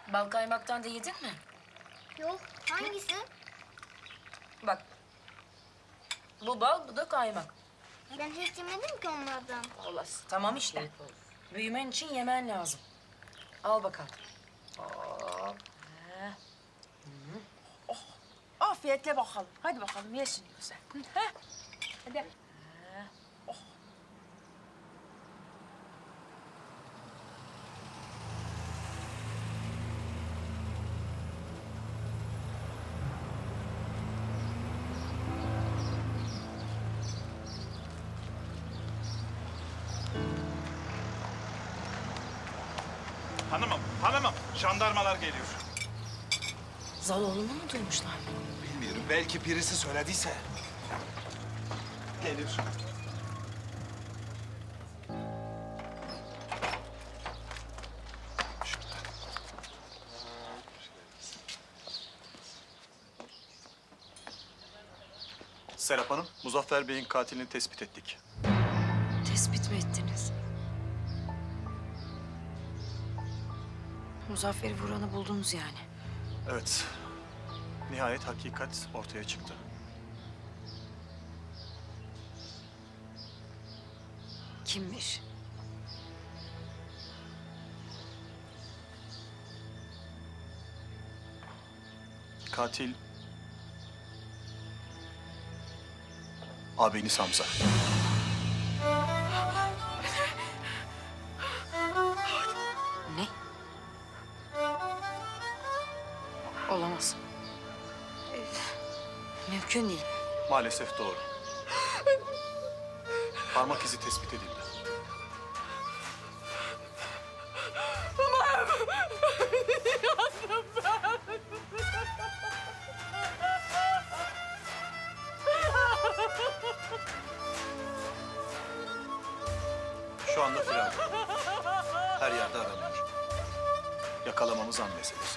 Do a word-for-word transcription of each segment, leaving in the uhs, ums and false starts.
Bal kaymaktan da yedin mi? Yok. Hangisi? Bak. Bu bal, bu da kaymak. Ben hiç yemedim ki onlardan. Olası. Tamam işte. Büyümen için yemen lazım. Al bakalım. Hop. Heh. Afiyetle bakalım. Hadi bakalım ye şimdi güzel. Hı, heh. Hadi. Hanımım, hanımım. Jandarmalar geliyor. Zaloğlu'nu mu duymuşlar? Bilmiyorum. Belki birisi söylediyse. Gelir. Serap Hanım, Muzaffer Bey'in katilini tespit ettik. Tespit mi ettiniz? Muzaffer'i vuranı buldunuz yani. Evet. Nihayet hakikat ortaya çıktı. Kimmiş? Katil... Abiniz Hamza. Ne? Olamaz. Ee, Mümkün değil. Maalesef doğru. Parmak izi tespit edildi. Şu anda firar. Her yerde aranıyor. Yakalamamız an meselesi.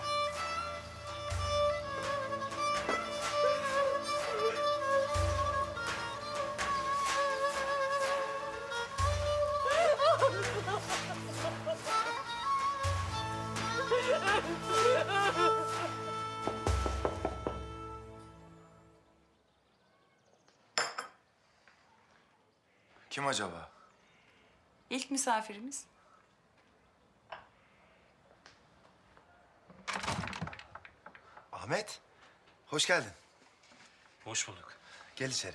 Kim acaba? İlk misafirimiz. Ahmet. Hoş geldin. Hoş bulduk. Gel içeri.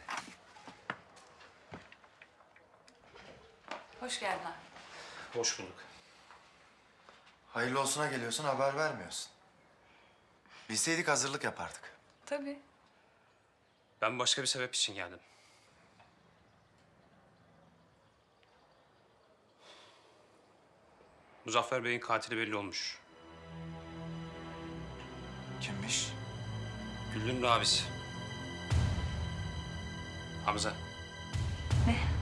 Hoş geldin abi. Hoş bulduk. Hayırlı olsuna geliyorsun, haber vermiyorsun. Bilseydik hazırlık yapardık. Tabii. Ben başka bir sebep için geldim. Muzaffer Bey'in katili belli olmuş. Kimmiş? Güllü'nün abisi. Hamza. Ne?